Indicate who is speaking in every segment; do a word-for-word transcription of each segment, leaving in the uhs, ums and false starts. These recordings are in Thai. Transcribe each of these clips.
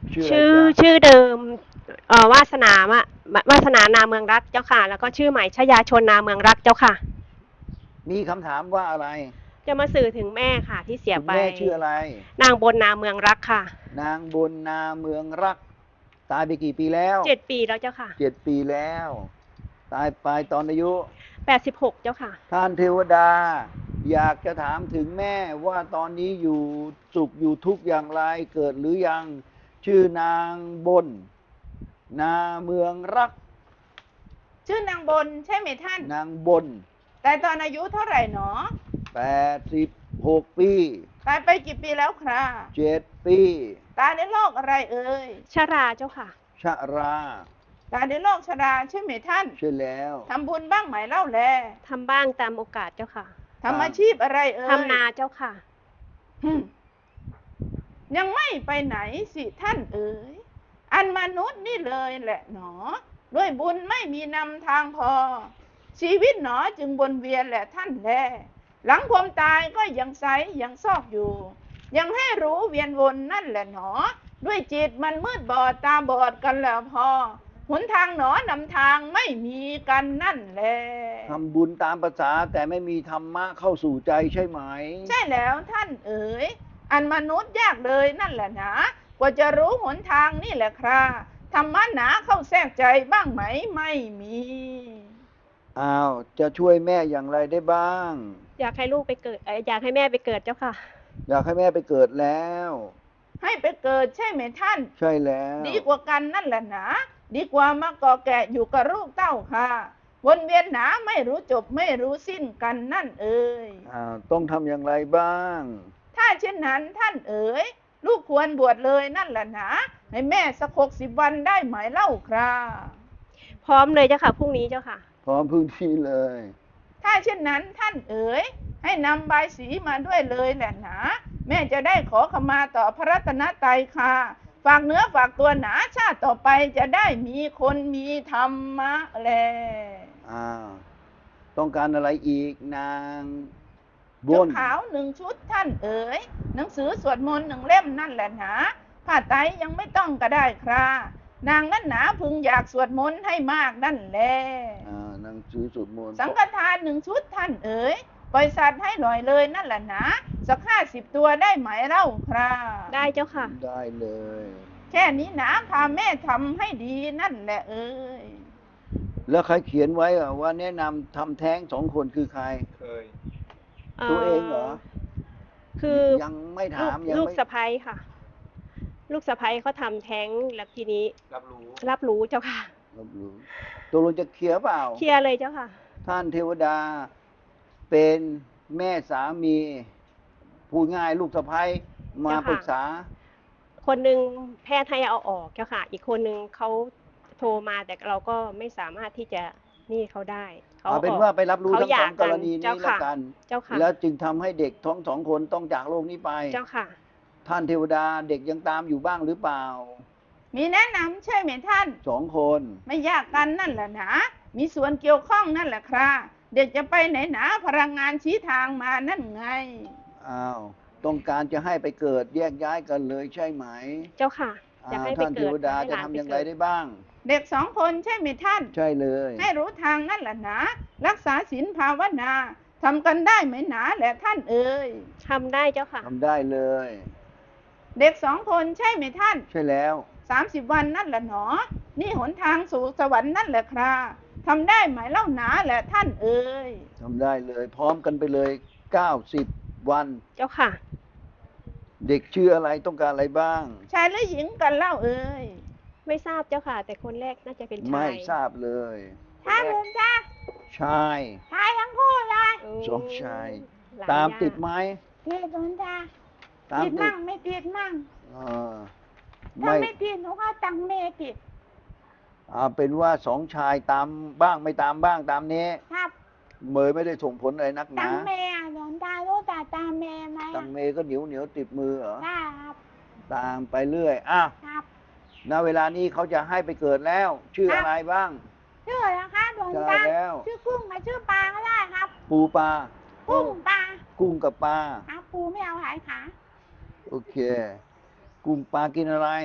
Speaker 1: ชื่ออะไร
Speaker 2: ชื่อ
Speaker 1: จ๊ะ
Speaker 2: ชื่อเดิมเอ่อวาสนามะวาสนานาเมืองรักเจ้าค่ะแล้วก็ชื่อใหม่ชยาชนนาเมืองรักเจ้าค่ะ
Speaker 1: มีคำถามว่าอะไร
Speaker 2: จะมาสื่อถึงแม่ค่ะที่เสียไป
Speaker 1: คุณแม่ชื่ออะไร
Speaker 2: นางบนนาเมืองรักค่ะ
Speaker 1: นางบนนาเมืองรักตายไปกี่ปีแล้ว
Speaker 2: เจ็ดปีแล้วเจ้าค่ะ
Speaker 1: เจ็ดปีแล้วตายไปตอนอายุ
Speaker 2: แปดสิบหกเจ้าค่ะ
Speaker 1: ท่านเทวดาอยากจะถามถึงแม่ว่าตอนนี้อยู่สุขอยู่ทุกข์อย่างไรเกิดหรือยังชื่อนางบนนาเมืองรัก
Speaker 3: ชื่อนางบนใช่ไหมท่าน
Speaker 1: นางบน
Speaker 3: แต่ตอนอายุเท่าไหร่หนอ
Speaker 1: แปดสิบหกปี
Speaker 3: ตายไปกี่ปีแล้วครับ
Speaker 1: เจ็ดปี
Speaker 3: ตายในโรคอะไรเอ่ย
Speaker 2: ชราเจ้าค่ะ
Speaker 1: ชะรา
Speaker 3: ตายในโรคชราใช่ไหมท่าน
Speaker 1: ใช่แล้ว
Speaker 3: ทำบุญบ้างไหมเล่าแล
Speaker 2: ทำบ้างตามโอกาสเจ้าค่ะ
Speaker 3: ทำอาชีพอะไรเอ่ย
Speaker 2: ทำนาเจ้าค่ะ
Speaker 3: ฮึมยังไม่ไปไหนสิท่านเอ๋ยอันมนุษย์นี่เลยแหละหนอด้วยบุญไม่มีนำทางพอ ชีวิตหนอจึงวนเวียนแหละท่านแลหลังความตายก็ยังไซยังซอกอยู่ ยังให้รู้เวียนวนนั่นแหละหนอด้วยจิตมันมืดบอดตาบอดกันแล้วพอหนทางหนอนำทางไม่มีกันนั่นแหละ
Speaker 1: ทำบุญตามภาษาแต่ไม่มีธรรมะเข้าสู่ใจใช่ไหม
Speaker 3: ใช่แล้วท่านเอ๋ยอันมนุษย์ยากเลยนั่นแหละนะกว่าจะรู้หนทางนี่แหละครับธรรมะหนาเข้าแทรกใจบ้างไหมไม่มี
Speaker 1: อ้าวจะช่วยแม่อย่างไรได้บ้าง
Speaker 2: อยากให้ลูกไปเกิดอยากให้แม่ไปเกิดเจ้าค่ะ
Speaker 1: อยากให้แม่ไปเกิดแล้ว
Speaker 3: ให้ไปเกิดใช่ไหมท่าน
Speaker 1: ใช่แล้ว
Speaker 3: ดีกว่ากันนั่นแหละนะดีกว่ามาก่อแกะอยู่กับลูกเต้าค่ะวนเวียนหนาไม่รู้จบไม่รู้สิ้นกันนั่นเอ๋ย
Speaker 1: อ้าวต้องทำอย่างไรบ้าง
Speaker 3: ถ้าเช่นนั้นท่านเอ๋ยลูกควรบวชเลยนั่นแหละนะให้แม่สักหกสิบวันได้ไหมเล่าครับ
Speaker 2: พร้อมเลยเจ้าค่ะพรุ่งนี้เจ้าค่ะ
Speaker 1: พร้อมพื้นที่เลย
Speaker 3: ถ้าเช่นนั้นท่านเอ๋ยให้นำใบสีมาด้วยเลยแหละนะแม่จะได้ขอขมาต่อพระรัตนตรัยค่ะฝากเนื้อฝากตัวหนาชาติต่อไปจะได้มีคนมีธรรมะแล
Speaker 1: อ้าวต้องการอะไรอีกนางบ
Speaker 3: ชุด
Speaker 1: น
Speaker 3: ขาวหนึ่งชุดท่านเอ๋ยหนังสือสวดมนต์หนึ่งเล่มนั่นแหละนะผ้าไตรยังไม่ต้องก็ได้ครับนางนั้นหนาพึงอยากสวดมนต์ให้มากนั่นแหละ
Speaker 1: อ่าหนังสือสวดมนต์
Speaker 3: สังฆทานหนึ่งชุดท่านเอ๋ยปล่อยสัตว์ให้หน่อยเลยนั่นแหละนะสักห้าสิบตัวได้ไหมเล่าครับ
Speaker 2: ได้เจ้าค่ะ
Speaker 1: ได้เลย
Speaker 3: แค่นี้นะพาแม่ทำให้ดีนั่นแหละเอ๋ย
Speaker 1: แล้วใครเขียนไว้ว่าแนะนำทำแท้งสองคนคือใครเคยตัวเองเหรอ
Speaker 2: คือ
Speaker 1: ยังไม่ถาม
Speaker 2: ยังลูกสะใภ้ค่ะลูกสะใภ้เขาทำแท้งแล้วทีนี้รับรู้รับรู้เจ้าค่ะ
Speaker 1: รับรู้ตัวเราจะเคลียร์เปล่า
Speaker 2: เคลียร์เลยเจ้าค่ะ
Speaker 1: ท่านเทวดาเป็นแม่สามีพูดง่ายลูกสะใภ้มาปรึกษา
Speaker 2: คนหนึ่งแพทย์ให้เอาออกเจ้าค่ะอีกคนหนึ่งเขาโทรมาแต่เราก็ไม่สามารถที่จะนี่เขาได้
Speaker 1: เอาเป็นว่าไปรับรู้ทั้งสองกรณีนี้แล้วกันแล้วจึงทำให้เด็กท้องสองคนต้องจากโลกนี้ไป
Speaker 2: เจ้าค่ะ
Speaker 1: ท่านเทวดาเด็กยังตามอยู่บ้างหรือเปล่า
Speaker 3: มีแนะนำใช่ไหมท่าน
Speaker 1: สองคน
Speaker 3: ไม่ยากกันนั่นแหละนะมีส่วนเกี่ยวข้องนั่นแหละครับเด็กจะไปไหนหนาพลังงานชี้ทางมานั่นไง
Speaker 1: อ้าวต้องการจะให้ไปเกิดแยกย้ายกันเลยใช่ไหม
Speaker 2: เจ้าค่ะจะให้ไปเกิด
Speaker 1: ท่านเทวดาจะทำอย่างไรได้บ้าง
Speaker 3: เด็กสองคนใช่ไหมท่าน
Speaker 1: ใช่เลย
Speaker 3: ให้รู้ทางนั่นแหละนะรักษาศีลภาวนาทำกันได้ไหมหนาแหละท่านเอ๋ย
Speaker 2: ทำได้เจ้าค่ะ
Speaker 1: ทำได้เลย
Speaker 3: เด็กสองคนใช่ไหมท่าน
Speaker 1: ใช่แล้ว
Speaker 3: สามสิบวันนั่นแหละหนอนี่หนทางสู่สวรรค์นั่นแหละครับทำได้ไหมเล่าหนาแหละท่านเอ๋ย
Speaker 1: ทำได้เลยพร้อมกันไปเลยเก้าสิบวัน
Speaker 2: เจ้าค่ะ
Speaker 1: เด็กชื่ออะไรต้องการอะไรบ้าง
Speaker 3: ชายหรือหญิงกันเล่าเอ๋ย
Speaker 2: ไม่ทราบเจ้าค่ะแต่คนแรกน่าจะเป็นชาย
Speaker 1: ไม่ทราบเลย
Speaker 3: ชายหรือจ้า
Speaker 1: ชาย
Speaker 3: ชายทั้งคู่เลย
Speaker 1: สองชายตามติดไหม
Speaker 3: ติดหลวงตาติดมั่งไม่ติดมั่งถ้าไม่ติดหนูก็ตังเมติด
Speaker 1: อ่าเป็นว่าสองชายตามบ้างไม่ตามบ้างตามนี้
Speaker 3: ครับ
Speaker 1: เมยไม่ได้ส่งผลอะไรนักหนา
Speaker 3: ตังเมอ่ะหลวงตารู้แต่ตามเมไหม
Speaker 1: ตังเมก็เหนียวเหนียวติดมือเหรอ
Speaker 3: ครับ
Speaker 1: ตามไปเรื่อยอ้าว
Speaker 3: ครับ
Speaker 1: ณเวลานี้เขาจะให้ไปเกิดแล้วชื่ออะไรบ้าง
Speaker 3: ชื่ออะไรคะหลวงตาชื่อกุ้งกับชื่อปลาก็ได้ครับ
Speaker 1: ปูปลา
Speaker 3: กุ้งปลา
Speaker 1: กุ้งกับปลา
Speaker 3: ครับปูไม่เอาหายขา
Speaker 1: โอเคกุ้งปลากินอะไร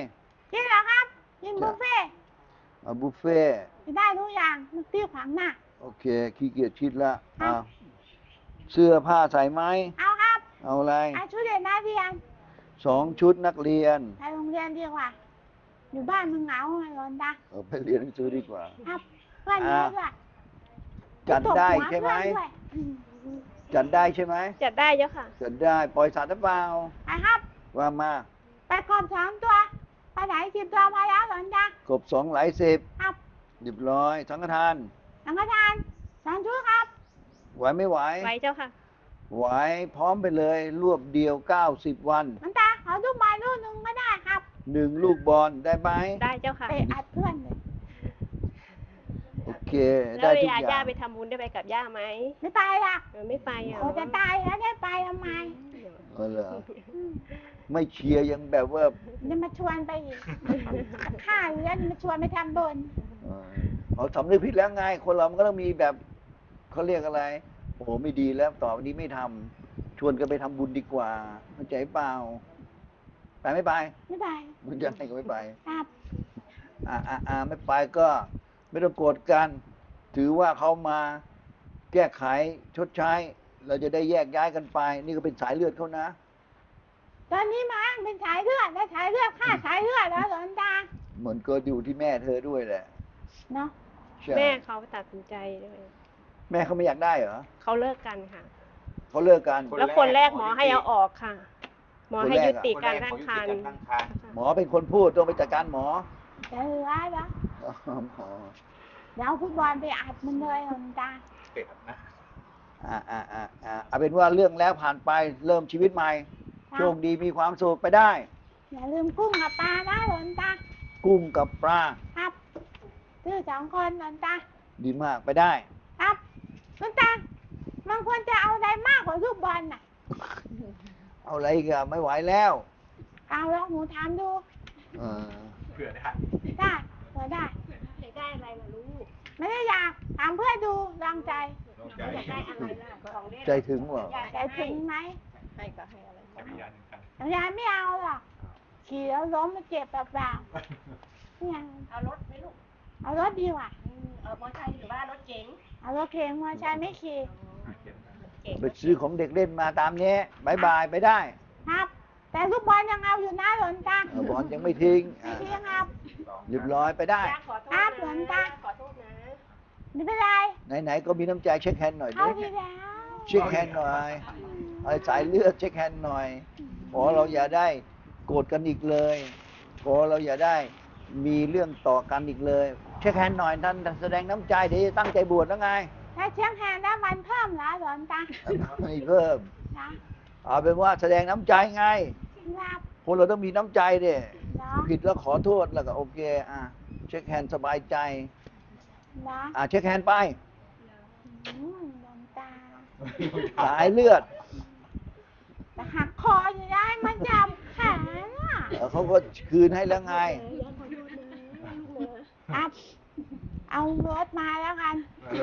Speaker 3: กินเหรอครับกินบุฟเฟ่ต์
Speaker 1: เอาบุฟเฟ่ต์
Speaker 3: กินได้ทุกอย่างนึกที่ขวางหน้า
Speaker 1: โอเคขี้เกียจคิดละ
Speaker 3: ครับ
Speaker 1: เอาเสื้อผ้าใส่ไหม
Speaker 3: เอาครับ
Speaker 1: เอาอะไร
Speaker 3: เอาชุดเด็กนักเรียน
Speaker 1: สองชุดนักเรียน
Speaker 3: ไปโรงเรียนดีกว่า อยู่บ้านมึงเหงาไงหลอนตา
Speaker 1: เอาไปเรียนหนังสือดีกว่า
Speaker 3: ครับเพื่อนเยอะด้วย
Speaker 1: จัดได้ใช่ไหม
Speaker 3: ตบวเพื่อนด้วยอืม
Speaker 1: จัดได้ใช่ไหม
Speaker 2: จัดได้เจ้าค่ะ
Speaker 1: จัดได้ปล่อยสัตว์หรือเปล่า
Speaker 3: ไปครับ
Speaker 1: ว่ามา
Speaker 3: ไปกอบสองตัวไปไหนสิบตัวพอแล้วหลอนตาก
Speaker 1: บสองหลายสิบ
Speaker 3: ครับ
Speaker 1: เรียบร้อยสังฆทาน
Speaker 3: สังฆทานสองชุดครับ
Speaker 1: ไหวไม่ไหว
Speaker 2: ไว้เจ้าค่ะ
Speaker 1: ไหวพร้อมไปเลย รวบเดียวเก้าสิบวัน
Speaker 3: หลอนตาขอลูกบอลลูกหนึ่งก็ได้ครับ
Speaker 1: หนึ่งลูกบอลได้ไหม
Speaker 2: ได้เจ้าค่ะ
Speaker 3: ไปอัดเพื่อนเลย
Speaker 1: โอเค
Speaker 2: แล้
Speaker 1: ได้
Speaker 2: วเว
Speaker 1: ทุก
Speaker 2: ลา
Speaker 1: อย่า
Speaker 2: ย่าง ไปทำบุญได้ไปกับย่าไหม
Speaker 3: ไม่ไปละ
Speaker 2: เออไม่ไปเหรอ
Speaker 3: โอ้จะตายแล้วได้ไปทำไม
Speaker 1: เออเหรอไม่เชียร์ยังแบบว่า
Speaker 3: จะมาชวนไปอีกข้าอยู่แล้วจะมาชวนไปทำบุญ
Speaker 1: เออเอาสำนึกผิดแล้วไง คนเรามันก็ต้องมีแบบเขาเรียกอะไร โอ้โหไม่ดีแล้วต่อไปนี้ไม่ทำชวนกันไปทำบุญดีกว่าเข้าใจเปล่า ไปไม่ไป
Speaker 3: ไม่ไป
Speaker 1: มันจะให้ก็ไม่ไป
Speaker 3: ครับ
Speaker 1: อ่าอ่าอ่าไม่ไปก็ไม่ต้องโกรธกัน ถือว่าเขามาแก้ไขชดใช้ เราจะได้แยกย้ายกันไป นี่ก็เป็นสายเลือดเขานะ
Speaker 3: ตอนนี้มาเป็นสายเลือดแล้วสายเลือดข้าสายเลือดแล้วหลอนตา
Speaker 1: เหมือนก็อยู่ที่แม่เธอด้วยแหละ
Speaker 3: เนาะ
Speaker 1: ใช่
Speaker 2: แม่เขาตัดสินใจด้วย
Speaker 1: แม่เขาไม่อยากได้เหรอ
Speaker 2: เขาเลิกกันค่ะ
Speaker 1: เขาเลิกกัน
Speaker 2: แล้วคนแรกหมอให้เอาออกค่ะ หมอให้ยุติการตั้งครรภ์
Speaker 1: หมอเป็นคนพูดต้องไปจัดการหมอ
Speaker 3: จะเหลือแล้ว
Speaker 1: อ๋อหมอ
Speaker 3: เดี๋ยวเอาฟุตบอลไปอัดมันเลยหลอนตา
Speaker 1: อ่าอ่าอ่าอ่าเอาเป็นว่าเรื่องแล้วผ่านไปเริ่มชีวิตใหม่
Speaker 3: ครับ
Speaker 1: โชคดีมีความสุขไปได้
Speaker 3: อย่าลืมกุ้งกับปลานะหลอนตา
Speaker 1: กุ้งกับปลา
Speaker 3: ครับซื้อสองคนหลอนตา
Speaker 1: ดีมากไปได้
Speaker 3: ครับหลอนตามันควรจะเอาอะไรมากกว่าลูกบอลน่ะ
Speaker 1: เอาอะไรอีกันไม่ไหวแล้ว
Speaker 3: เอาแล้วหนูถามดู
Speaker 1: เออ
Speaker 3: ได้เผื่อได้
Speaker 2: อยากได้อะไรล่ะลูก
Speaker 3: ไม่ได้อยากถามเพื่อนดูลองใจ
Speaker 2: อยากได้อะไรล่ะของเล่น
Speaker 1: ใจถึงเหรอ
Speaker 3: ใจถึงไหม
Speaker 2: ให้ก็ให้อะไร
Speaker 3: ยายไม่เอาหรอกขี่แล้วล้มมาเจ็บเปล่าๆไม่เอา
Speaker 2: เอารถไหมลูก
Speaker 3: เอารถดีกว่า
Speaker 2: เออมอเตอร์ไซค์หรือว่ารถเก๋ง
Speaker 3: เอารถเข็นมอเตอร์ไซค์ไม่ขี่
Speaker 2: เก๋ง
Speaker 1: ไปซื้อของเด็กเล่นมาตามนี้บายบายไปได้
Speaker 3: ครับ แต่ลูกบอลยังเอาอยู่นะหลนตา
Speaker 1: เออบอลยังไม่ทิ้ง
Speaker 3: ไม่
Speaker 1: อ่ะ
Speaker 3: ทิ้งครับ
Speaker 1: เรียบร้อยไปได้
Speaker 2: ย่าขอโทษ
Speaker 3: ครับหลวง
Speaker 2: นะ
Speaker 3: ตา
Speaker 2: ขอโทษนะ
Speaker 3: ไม่เป็นไร
Speaker 1: ไหนๆก็มีน้ำใจเช็คแฮนด์หน่อย
Speaker 3: เอา
Speaker 1: ดิ
Speaker 3: ทีแล้ว
Speaker 1: เช็คแฮนด์หน่อยไอ้สายเลือดเช็คแฮนด์หน่อยขอเราอย่าได้โกรธกันอีกเลยขอเราอย่าได้มีเรื่องต่อกันอีกเลย เช็คแฮนด์หน่อยท่านแสดงน้ำใจเดี๋ยวจะตั้งใจบวชแล้วไง
Speaker 3: ถ้าเชียงแฮนได้วันเพิ่มเหรอหลนตา
Speaker 1: ไม่เพิ่ม
Speaker 3: นะ
Speaker 1: เอาเป็นว่าแสดงน้ำใจไง
Speaker 3: ครับ
Speaker 1: คนเราต้องมีน้ำใจดิ
Speaker 3: เนาะ
Speaker 1: ผิดแล้วขอโทษแล้วก็โอเคอ่ะเช็คแฮนด์สบายใจ
Speaker 3: เนาะ
Speaker 1: อ่ะเช็คแฮนด์ไป
Speaker 3: อืมหลนตา
Speaker 1: สายเลือด
Speaker 3: แต่หักคออยู่ได้มันจับแขนอ่ะ
Speaker 1: เออเขาก็คืนให้แล้วไง
Speaker 2: ย่าขอโทษนะลูกนะครับ
Speaker 3: เอารถมาแล้วกัน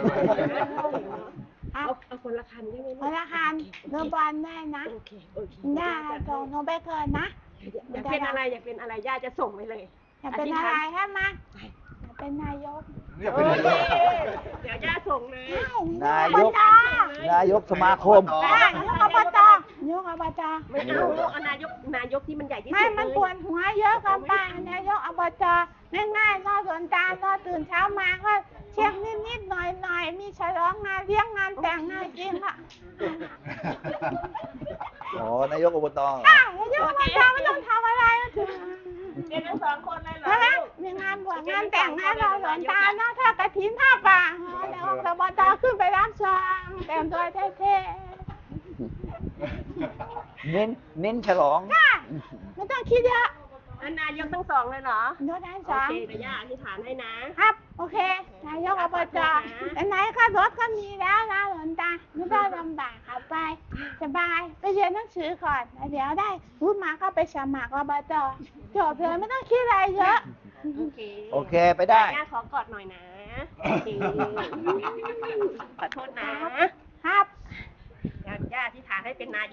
Speaker 3: ครั
Speaker 2: เอา
Speaker 3: บ
Speaker 2: เอาคนละคันได้ไหม
Speaker 3: พ
Speaker 2: ลูก
Speaker 3: ละคันเรือบอลได้นะ
Speaker 2: โอเคโอเค
Speaker 3: ได้ส่งหนูไปเกินนะ
Speaker 2: อยากเป็นอะไรอยากเป็นอะไรย่าจะส่งไปเลย
Speaker 3: อยากเป็นอะไรฮะมาอยากเป็นนายก
Speaker 2: โอเคเดี๋ยวย่าส่งเลย
Speaker 1: นายก นายกสมาคม
Speaker 3: ได้นายกอบตนายกอบต
Speaker 2: ไม่เอาลูกเอานายกนายกที่มันใหญ่ที่สุด
Speaker 3: ไม่
Speaker 2: เลย
Speaker 3: มันปวดหัวเยอะเกันไปนายกอบตง่ายๆรอสวนตาลรอตื่นเช้ามาก็เช็คนิดๆหน่อยๆมีฉลองงานเลี้ยงงานแต่งงานจริงค่ะ
Speaker 1: อ๋อนายกอบตเหรอ
Speaker 3: อ่ะนายกอบตไม่ต้องทำอะไรก็ถึง
Speaker 2: เรียนทั้งสองคนเลยเหรอ
Speaker 3: ใช่ไหม
Speaker 2: ลูก
Speaker 3: มีงานบวชงานแต่งงานรอสวนตาเนาะถ้ากระถินผ้าป่าเดี๋ยวอบตขึ้นไปรับซองแต่งตัวเท่
Speaker 1: เน้น เน้นฉลอง
Speaker 3: ๆค่ะไม่ต้องคิดเยอะ
Speaker 2: อันนายกทั้งสองเลยเหรอ
Speaker 3: ยกได้ส
Speaker 2: โอ
Speaker 3: อง
Speaker 2: เคเดี๋ยวย่าอธิษฐานให้นะ
Speaker 3: ครับ โอเค นายกอบจแต่ไหนก็รถก็มีแล้วนะหลวงตาไม่ต้องลำบากขับไป สบาย ไปเรียนหนังสือก่อนแล้วเดี๋ยวได้พูดมาก็ไปสมัครอบจจบเลยไม่ต้องคิดอะไรเยอะ
Speaker 2: โอเค
Speaker 1: โอเคไปได้
Speaker 2: ย่าขอกอดหน่อยนะโอเคขอโทษนะ
Speaker 3: ครับ
Speaker 2: ย่าย่าอธิษฐานให้เป็นนายก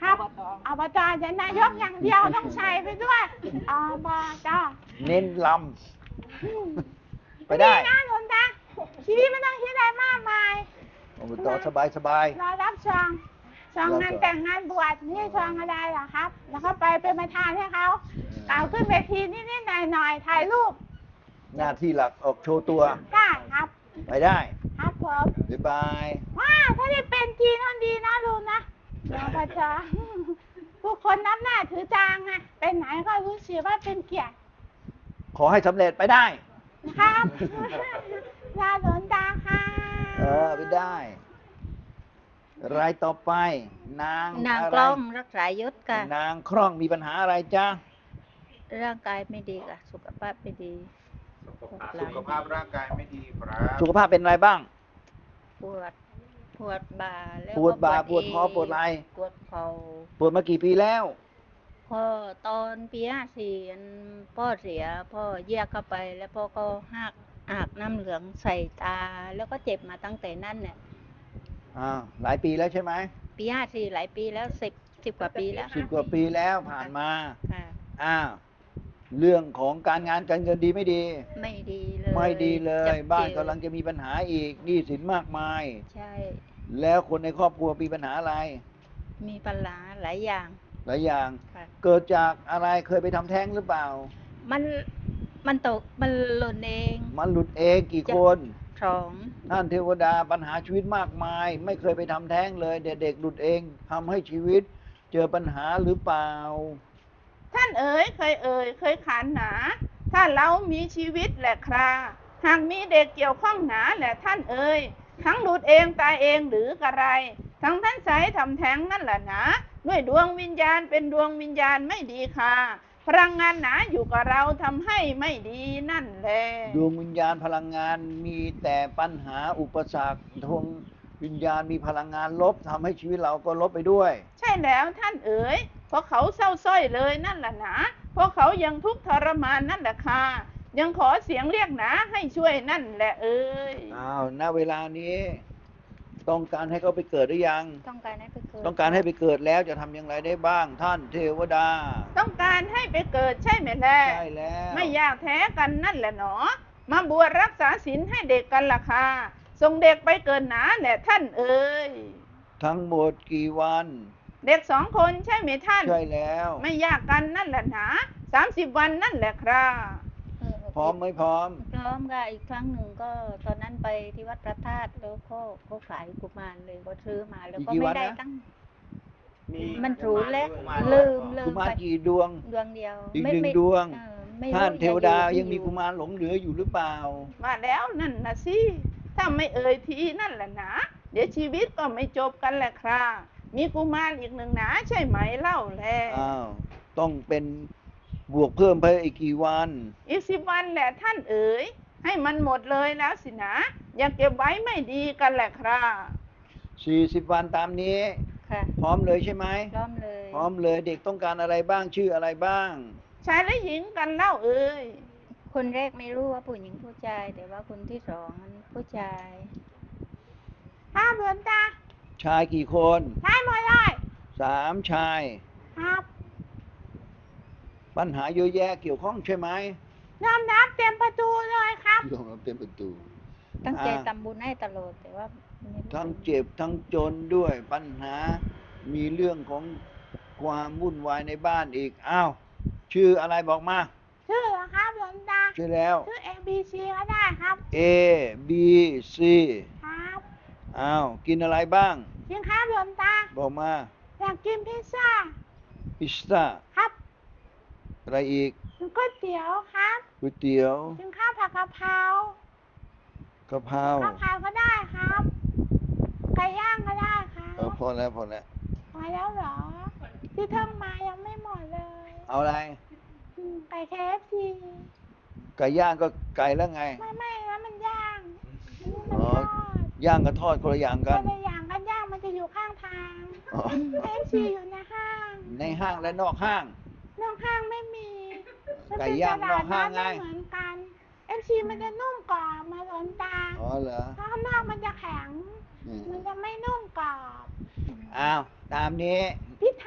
Speaker 3: ครับอบตจะนายกอย่างเดียวต้องใส่ไปด้วยอบต
Speaker 1: เน้นล
Speaker 3: อืม
Speaker 1: ำไปได้
Speaker 3: นะหลวงตาชีวิตไม่ต้องคิดอะไรมากมาย
Speaker 1: อบตสบายสบาย
Speaker 3: รอรับซองซองงานแต่งงานบวชนี่ซองอะไรเหรอครับ แล้วก็ไปเป็นประธานให้เขากล่าวขึ้นเวทีนิดๆหน่อยๆถ่ายรูป
Speaker 1: หน้าที่หลักออกโชว์ตัว
Speaker 3: ได้ครับ
Speaker 1: ไปได้
Speaker 3: ครับผม
Speaker 1: บ๊ายบาย
Speaker 3: ว้าถ้าได้เป็นจริงนั่นดีนะลุงนะรอประจาผู้คนนับหน้าถือจางไงไปไหนก็รู้สึกว่าเป็นเกียรติ
Speaker 1: ขอให้สำเร็จไปได้
Speaker 3: นะครับลาหลวงตาค่ะ
Speaker 1: เออไปได้ รายต่อไป นาง
Speaker 4: นาง
Speaker 1: ะ
Speaker 4: ก
Speaker 1: ไร
Speaker 4: ล้องรักษายุทธค่ะ
Speaker 1: นางคล่องมีปัญหาอะไรจ๊ะ
Speaker 4: ร่างกายไม่ดีค่ะ สุขภาพไม่ดี
Speaker 5: สุขภาพร่างกายไม่ดีครับ
Speaker 1: สุขภาพเป็นอะไรบ้าง
Speaker 4: ปวด ปวดบ่าแล้ว
Speaker 1: ปวดบ่า
Speaker 4: ก็
Speaker 1: ปวดคอปวดไหล่
Speaker 4: ปวดเข่า
Speaker 1: ปวดมากี่ปีแล้ว
Speaker 4: พ่อตอนปีห้าสี่อันพ่อเสีย พ่อแยกเข้าไป แล้วพ่อก็หักอากน้ำเหลืองใส่ตา แล้วก็เจ็บมาตั้งแต่นั้นเนี่ย
Speaker 1: อ่า หลายปีแล้วใช่ไหม
Speaker 4: ปีห้าสี่หลายปีแล้วสิบสิบกว่าปีแล้ว
Speaker 1: สิบกว่าปีแล้วผ่านมา
Speaker 4: ค่ะ
Speaker 1: อ้าว เรื่องของการงานการเงินดีไม่ดี
Speaker 4: ไม่ดีเลย
Speaker 1: ไม่ดีเลย
Speaker 4: จั
Speaker 1: บ้าน
Speaker 4: เจ
Speaker 1: กำลังจะมีปัญหาอีกหนี้สินมากมาย
Speaker 4: ใช่
Speaker 1: แล้วคนในครอบครัวมีปัญหาอะไร
Speaker 4: มีปัญหาหลายอย่าง
Speaker 1: หลายอย่าง
Speaker 4: ค่ะ
Speaker 1: เกิดจากอะไรเคยไปทำแท้งหรือเปล่า
Speaker 4: มันมันตกมันหล่นเอง
Speaker 1: มันหลุดเองกี่คน
Speaker 4: สอง
Speaker 1: ท่านเทวดาปัญหาชีวิตมากมาย ไม่เคยไปทำแท้งเลยเด็กๆหลุดเองทำให้ชีวิต เจอปัญหาหรือเปล่า
Speaker 3: ท่านเอ๋ยเคยเอ่ยเคยขานหนา ถ้าเรามีชีวิตแหละคราหากมีเด็กเกี่ยวข้องหนาแหละท่านเอ๋ยทั้งหลุดเองตายเองหรือกระไร ทั้งท่านใสทำแท้งนั่นแหละหนาด้วยดวงวิญญาณเป็นดวงวิญญาณไม่ดีค่ะพลังงานหนาอยู่กับเราทำให้ไม่ดีนั่นแหละ
Speaker 1: ดวงวิญญาณพลังงานมีแต่ปัญหาอุปสรรคดวงวิญญาณมีพลังงานลบทำให้ชีวิตเราก็ลบไปด้วย
Speaker 3: ใช่แล้วท่านเอ๋ยเพราะเขาเศร้าส้อยเลยนั่นแหละหนาเพราะเขายังทุกข์ทรมานนั่นแหละค่ะยังขอเสียงเรียกหนาให้ช่วยนั่นแหละเอ๋ย
Speaker 1: อ้าวณเวลานี้ ต้องการให้เขาไปเกิดหรือยัง
Speaker 4: ต้องการให้ไปเกิด
Speaker 1: ต้องการให้ไปเกิดแล้วจะทำอย่างไรได้บ้าง ท่านเทวดา
Speaker 3: ต้องการให้ไปเกิดใช่ไหมแล่
Speaker 1: ใช่แล้ว
Speaker 3: ไม่อยากแท้กันนั่นแหละหนอ มาบวชรักษาศีลให้เด็กกันล่ะค่ะส่งเด็กไปเกิดหนาแหละท่านเอ๋ย
Speaker 1: ทั้งหมดกี่วัน
Speaker 3: เด็กสองคนใช่ไหมท่าน
Speaker 1: ใช่แล้ว
Speaker 3: ไม่ยากกันนั่นแหละหนาสามสิบวันนั่นแหละครับ
Speaker 4: เออ
Speaker 1: พร้อมไหมพร้อม
Speaker 4: พร้อมค่ะอีกครั้งหนึ่งก็ตอนนั้นไปที่วัดพระธาตุแล้วก็ก็ขายกุมารเลยก็ซื้อมาแล้วก็
Speaker 1: กี่วั
Speaker 4: ไม่
Speaker 1: น
Speaker 4: ได้
Speaker 1: นะ
Speaker 4: ตั้ง
Speaker 5: มี
Speaker 4: มันรู้แล้ว
Speaker 5: กุมาร
Speaker 4: ลืมลื
Speaker 1: กุ
Speaker 4: ม
Speaker 1: มาร
Speaker 4: ไป
Speaker 1: กี่ดวง
Speaker 4: ดวงเดียว
Speaker 1: อีก
Speaker 4: ไม่
Speaker 1: หนึ่ง
Speaker 4: ไม่
Speaker 1: ดวง
Speaker 4: เออไม่รู้
Speaker 1: ท่านเทวดา
Speaker 4: จะอ
Speaker 1: ยังมี
Speaker 4: ไอ
Speaker 1: กุมารหลงเหลืออยู่หรือเปล่า
Speaker 3: มาแล้วนั่นนะสิถ้าไม่เอ่ยทีนั่นแหละหนาเดี๋ยวชีวิตก็ไม่จบกันแหละครับมีกุมารอีกหนึ่งหนาใช่ไหมเล่าแล
Speaker 1: อ้าว ต้องเป็นบวกเพิ่มไปอีกกี่วัน
Speaker 3: อีกสิบวันแหละท่านเอ๋ยให้มันหมดเลยแล้วสินะอย่าเก็บไว้ไม่ดีกันแหละครับ
Speaker 1: สี่สิบวันตามนี้
Speaker 4: ค่ะ
Speaker 1: พร้อมเลยใช่ไหม
Speaker 4: พร้อมเลย
Speaker 1: พร้อมเลยเด็กต้องการอะไรบ้างชื่ออะไรบ้าง
Speaker 3: ชายและหญิงกันเล่าเอ๋ย
Speaker 4: คนแรกไม่รู้ว่าผู้หญิงผู้ชาย แต่ว่าคนที่สองนั้นผู้ชาย
Speaker 3: ห้ามเบือนตา
Speaker 1: ชายกี่คน
Speaker 3: ชายหมดเลย
Speaker 1: สามชาย
Speaker 3: ครับ
Speaker 1: ปัญหาเยอะแยะเกี่ยวข้องใช่ไหม
Speaker 3: ยอมรับเต็มประตูเลยครับ
Speaker 1: ยอมรับเต็มประตู
Speaker 4: ตั้งใจ
Speaker 1: อ่า
Speaker 4: ทำบุญให้ตลอดแต่ว่าไม่รู้
Speaker 1: ทั้งเจ็บทั้งจนด้วยปัญหา มีเรื่องของความวุ่นวายในบ้านอีก อ้าว ชื่ออะไรบอกมา
Speaker 3: ชื่อเหรอครับหลวงตา
Speaker 1: ชื่อแล้ว
Speaker 3: ชื่อ A B C ก็ได้ครับ
Speaker 1: A B C
Speaker 3: ครับ
Speaker 1: อ้าว กินอะไรบ้าง
Speaker 3: จริงครับหลวงตา
Speaker 1: บอกมา
Speaker 3: อยากกินพิซซ่า
Speaker 1: พิซซ่า
Speaker 3: ครับ
Speaker 1: อะไรอีก
Speaker 3: กินก๋วยเตี๋ยวครับ
Speaker 1: ก๋วยเตี๋ยว
Speaker 3: กินข้าวผัดกะเพราก
Speaker 1: ะเพรา
Speaker 3: ข้าวผัดก็ได้ครับ ไก่ย่างก็ได้ครับ
Speaker 1: เออพอแล้วพอแล้ว
Speaker 3: พอแล้วเหรอ ที่ท่องมายังไม่หมดเลย
Speaker 1: เอาอะไร
Speaker 3: อืมไก่ เค เอฟ ซี
Speaker 1: ไก่ย่างก็ไก่แล้วไง
Speaker 3: ไม่ไม่แล้วมันย่างอันนี้มัน
Speaker 1: อ๋อ
Speaker 3: ทอด
Speaker 1: ย่างกับทอดคนละอย่าง
Speaker 3: ค
Speaker 1: กัน
Speaker 3: นละอย่างกันย่างมันจะอยู่ข้างทาง
Speaker 1: อ๋อ
Speaker 3: เอฟซีอยู่ในห้าง
Speaker 1: ในห้างและนอกห้าง
Speaker 3: นอกห้างไม่มี
Speaker 1: ไก่ย่างนอกห้างไง
Speaker 3: มันเป็นตลดนัดม่เหมือนกันเอฟซีมันจะนุ่มกรอบมาหลนตา
Speaker 1: อ๋อเหรอ
Speaker 3: ถ้าข้างนอกมันจะแข็ง
Speaker 1: อืม
Speaker 3: มันจะไม่นุ่มกรอบ
Speaker 1: อ้าว ตามนี้
Speaker 3: พิไท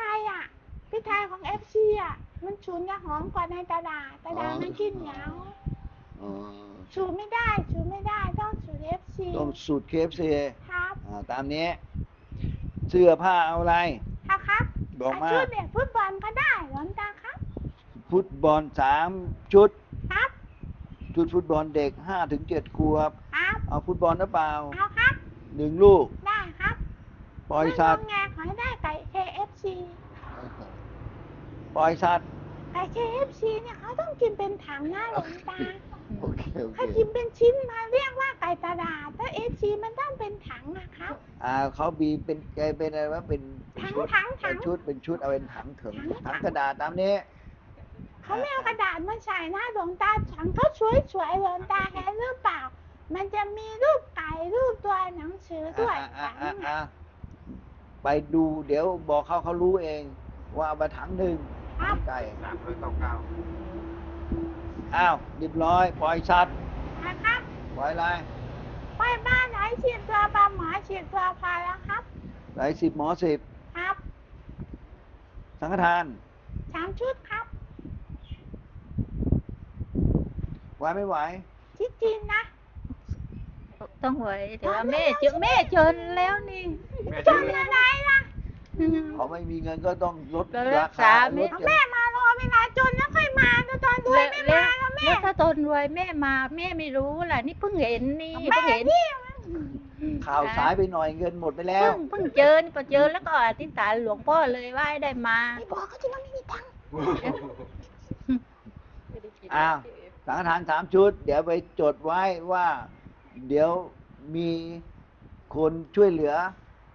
Speaker 3: ยอ่ะพริกไทยของเอฟซีอ่ะมันฉุนจะหอมกว่าในตลาดตลาดมันกินเหนียว
Speaker 1: อ๋อ
Speaker 3: สูตรไม่ได้สูตรไม่ได้ต้องสูตรเอฟซี
Speaker 1: ต้องสูตรเคฟซี
Speaker 3: ครับ
Speaker 1: อ่าตามนี้ เสื้อผ้าเอาอะไร
Speaker 3: ครับครับ
Speaker 1: บอกมา
Speaker 3: ชุดเด็กฟุตบอลก็ได้หลวงตาครับ
Speaker 1: ฟุตบอลสามชุด
Speaker 3: ครับ
Speaker 1: ชุดฟุตบอลเด็กห้าถึงเจ็ดขวบ
Speaker 3: ครับ
Speaker 1: เอาฟุตบอลหรือเปล่า
Speaker 3: เอาครับ
Speaker 1: หนึ่งลูก
Speaker 3: ได้ครับ
Speaker 1: ปล่อยสัตว์
Speaker 3: ไม่งงแงขอให้ได้ไก่ เค เอฟ ซี
Speaker 1: ปล่อยสัตว์
Speaker 3: ไก่ เค เอฟ ซี เนี่ยเขาต้องกินเป็นถังหน้าหลวงตา
Speaker 1: โอเคโอเค
Speaker 3: ถ้ากินเป็นชิ้นมาเรียกว่าไก่ตลาดถ้า เอฟ ซี มันต้องเป็นถังนะครับ
Speaker 1: อ่าเขาบีเป็นแกเป็นอะไรวะเป็น
Speaker 3: ถัง
Speaker 1: ชุด
Speaker 3: ถังถั
Speaker 1: เป็
Speaker 3: ง
Speaker 1: นชุดเป็นชุดเอาเป็นถังถึง
Speaker 3: ถัง
Speaker 1: ถังกระดาษตามนี้
Speaker 3: เขาไม่เอากระดาษมาใส่หน้าหลวงตาถังเขาสวยๆหลวงตาเห็นหรือเปล่า มันจะมีรูปไก่รูปตัวหนังสือด้วย
Speaker 1: อ่ะอ่ะ
Speaker 3: ถั
Speaker 1: อ่ะ
Speaker 3: ง
Speaker 1: อ่ะ
Speaker 3: น่ะ
Speaker 1: ไปดูเดี๋ยวบอกเขาเขารู้เอง ว่าเอามาถังหนึ่ง
Speaker 3: ครับ
Speaker 1: ไก่
Speaker 5: สามร้อยเก้าเก้า
Speaker 1: อ้าวเรียบร้อย ปล่อยสัตว์
Speaker 3: นะครับ
Speaker 1: ปล่อยอะไร
Speaker 3: ไปบ้านไหนฉีดตัวปลาหมอฉีดตัวพาแล้วครับ
Speaker 1: ไหนสิบหมอสิบ
Speaker 3: ครับ
Speaker 1: สังฆทาน
Speaker 3: สามชุดครับ
Speaker 1: ไหวไม่ไหว
Speaker 3: ที่จีนนะ
Speaker 4: ต้องไหวแต่ว่าแม่เจอแม่จนแล้วนี่
Speaker 5: แม่
Speaker 3: จ
Speaker 5: ชื่อน
Speaker 3: อะไรล่ะ
Speaker 1: เขาไม่มีเงินก็ต้องลด
Speaker 4: ก็รั
Speaker 1: ราก
Speaker 4: ษา
Speaker 1: คา
Speaker 4: ไม่
Speaker 1: ลด
Speaker 3: แม่มารอเวลาจนแล้วค่อยมาแต่ตอนรวยไม่มาแล้วแม่
Speaker 4: แล้วถ้าตนรวยแม่มาแม่ไม่รู้ล่ะนี่เพิ่งเห็นนี่
Speaker 3: แม่
Speaker 4: เพิ่งเห็น
Speaker 3: นี่
Speaker 1: ข่าวสายไปหน่อยเงินหมดไปแล้
Speaker 4: เพิ่
Speaker 1: ว
Speaker 4: งเพิ่งเจอนี่พอเจอแล้วก็อธิษฐานหลวงพ่อเลยว่าให้ได้มา
Speaker 3: ไม่บอกเขาจะว่าไม่มีตังค์
Speaker 1: อ้าวสังฆทานสามชุด เดี๋ยวไปจดไว้ว่า เดี๋ยวมีคนช่วยเหลือ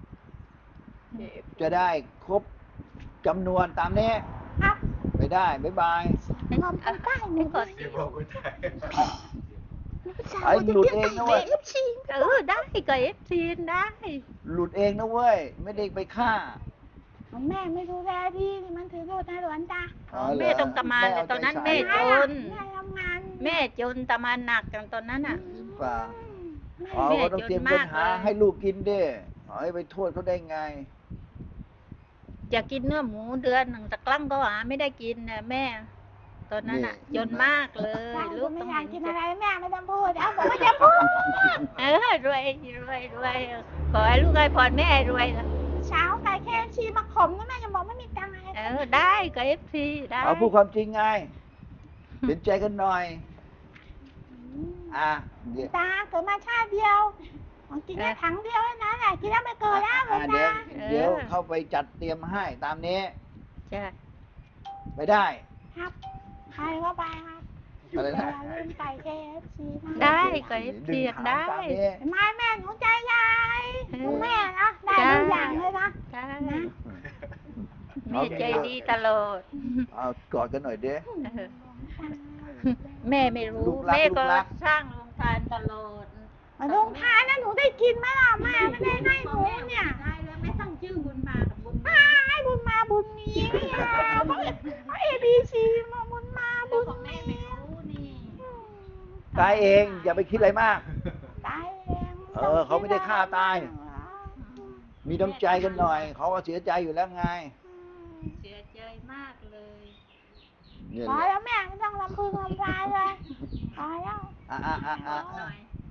Speaker 1: จะได้ครบจำนวนตามนี้
Speaker 3: ครับ
Speaker 1: ไปได้ บ๊ายบาย
Speaker 3: ขอบคุณป้าหนู
Speaker 4: ก่อน
Speaker 5: เดี๋ยวบอกกูใจ
Speaker 1: ไอ้หลุดเองนะเว้ย
Speaker 3: เอฟซี
Speaker 4: เออได้ก็เอฟซีได้
Speaker 1: หลุดเองนะเว้ย ไม่ได้ไปฆ่า
Speaker 3: แม่ไม่ดูแลดีนี่มันถือโทษนะหลวงตา
Speaker 1: อ๋อเหรอ
Speaker 4: แม่ต้องทำงานแต่ตอนนั้น
Speaker 1: แม่
Speaker 4: แม่
Speaker 1: เอาใจใส่
Speaker 4: จน
Speaker 3: แม่ทำงาน
Speaker 4: แม่จนทำงานหนักกันตอนนั้นอ่ะ
Speaker 1: หรือเปล่า
Speaker 3: แม่
Speaker 1: อ๋อ
Speaker 4: แม่
Speaker 1: ก็ต้องเตรียมเงินหา
Speaker 4: จนมากเลย
Speaker 1: ให้ลูกกินดิอ๋อให้ไปโทษเขาได้ไง
Speaker 4: อยากกินเนื้อหมูเดือนหนึ่งตะกลั่งก็หาไม่ได้กินนะแม่ ตอนนั้นอ่ะ
Speaker 1: นี่
Speaker 4: จนมากเลย
Speaker 3: ลู
Speaker 4: ลู
Speaker 3: ก
Speaker 4: ก
Speaker 3: ไม่
Speaker 4: ต้อง
Speaker 3: อยาก
Speaker 4: เห็น
Speaker 3: กิน
Speaker 4: ใจ
Speaker 3: อะไรแม่ไม่ต้องพูดเอาบอกว่าจะพูด
Speaker 4: เออรวยรวยรวยขอให้ลูกให้พรแม่ให้รวยนะ
Speaker 3: เช้าไก่เคฟซีมาขมนะแม่จะบอกไม่มีตังค์อะไร
Speaker 4: เออได้ก็เอฟซีได้
Speaker 1: เอาพูดความจริงไง เห็นใจกันหน่อย อ่ะเดี๋ยว
Speaker 3: ตาเกิดมาชาติเดียวของกินแค่ถังเดียวเท่านั้นแหละกินแล้วไม่เกินแล้วหลว
Speaker 1: อ่ะ
Speaker 3: ง
Speaker 1: เดี๋ย
Speaker 3: ตาว
Speaker 1: เดี๋ยวเข้าไปจัดเตรียมให้ตามนี้
Speaker 4: จ้ะ
Speaker 1: ไปได้
Speaker 3: ครับใครก็ไปครับ
Speaker 1: อะไร
Speaker 3: อย่า
Speaker 1: นะ
Speaker 3: ลืมไก่เคฟซีนะ
Speaker 4: ได้ก็เอฟ
Speaker 1: ดึ
Speaker 4: ซี
Speaker 1: งหาง
Speaker 4: ได้
Speaker 1: ตามนี้
Speaker 3: ไม่แม่หนูใจใหญ่
Speaker 4: เออ
Speaker 3: หนูแม่นะได้ทุกอย่างเลยนะ
Speaker 4: ได้
Speaker 3: นะ
Speaker 4: แม่ใจดีตลอด
Speaker 1: เอากอดกันหน่อยเด้
Speaker 4: เออแม่ไม่รู้
Speaker 1: ลูกรัก
Speaker 4: แม่ก็
Speaker 1: ลูกรัก
Speaker 4: สร้างโรงทานตลอด
Speaker 3: มาลงทานนะหนูได้กินไหมล่ะแม่ไม่ได้ให้หนูเนี่ย
Speaker 4: ได้แล้วแม่ตั้งชื่อบุญมากับบุญ
Speaker 3: อ่าให้บุญมาบุญมีเนี่ยเขาเอบีซีมาบุญมาบุญ
Speaker 4: ของแม่
Speaker 3: มี
Speaker 4: ไม่รู้นี่
Speaker 1: ตายเองอย่าไปคิดอะไรมาก
Speaker 3: ตายเอง
Speaker 1: เออเขาไม่ได้ฆ่าตาย มีน้ำใจกันหน่อย เขาก็เสียใจอยู่แล้วไง
Speaker 4: เสียใจมากเลย
Speaker 1: เนี่ย
Speaker 3: พอ
Speaker 1: แหละ
Speaker 3: แล้วแม่ไม่ต้องลำพึงลำพายเลยพอแล้ว
Speaker 1: อ่ะอ่ะอ่ะอ่ะอ่ะ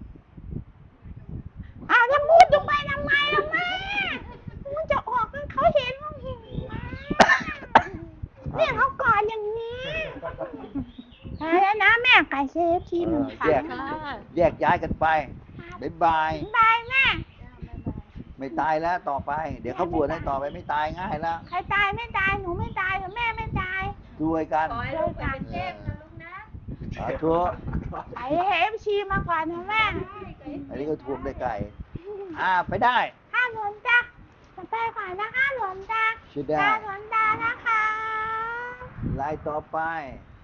Speaker 3: อ้าวจะพูดลงไปทำไมล่ะแม่มันจะออกให้เขาเห็นว่าหิวมาเนี่ยเขากอดอย่างนี้พอแล้วนะแม่ไก่เคฟซีหนึ่ง
Speaker 1: เอ
Speaker 3: ถั
Speaker 1: อแยก
Speaker 3: ง
Speaker 1: แยกย้ายกันไป บ๊ายบาย
Speaker 3: บายแม่
Speaker 1: ไม่ตายแล้วต่อไป เดี๋ยวเขาบวชให้ต่อไปไม่ตายง่ายแล้ว
Speaker 3: ใครตายไม่ตายหนูไม่ตายหรือแม่ไม่ตาย
Speaker 1: ด้วยกัน
Speaker 4: ขอให้ลูกเป็นเทพนะลูกนะ
Speaker 1: สาธุ
Speaker 3: ไก่เอฟซีมาก่อนนะแม่
Speaker 1: อันนี้ก็ทวงได้ไก่ อ่าไปได้
Speaker 3: ข้าหลวงตาจะไปก่อนนะคะหลวงตา
Speaker 1: ใช่ได้
Speaker 3: ตาหลวงตานะคะ
Speaker 1: ลายต่อไป
Speaker 3: ค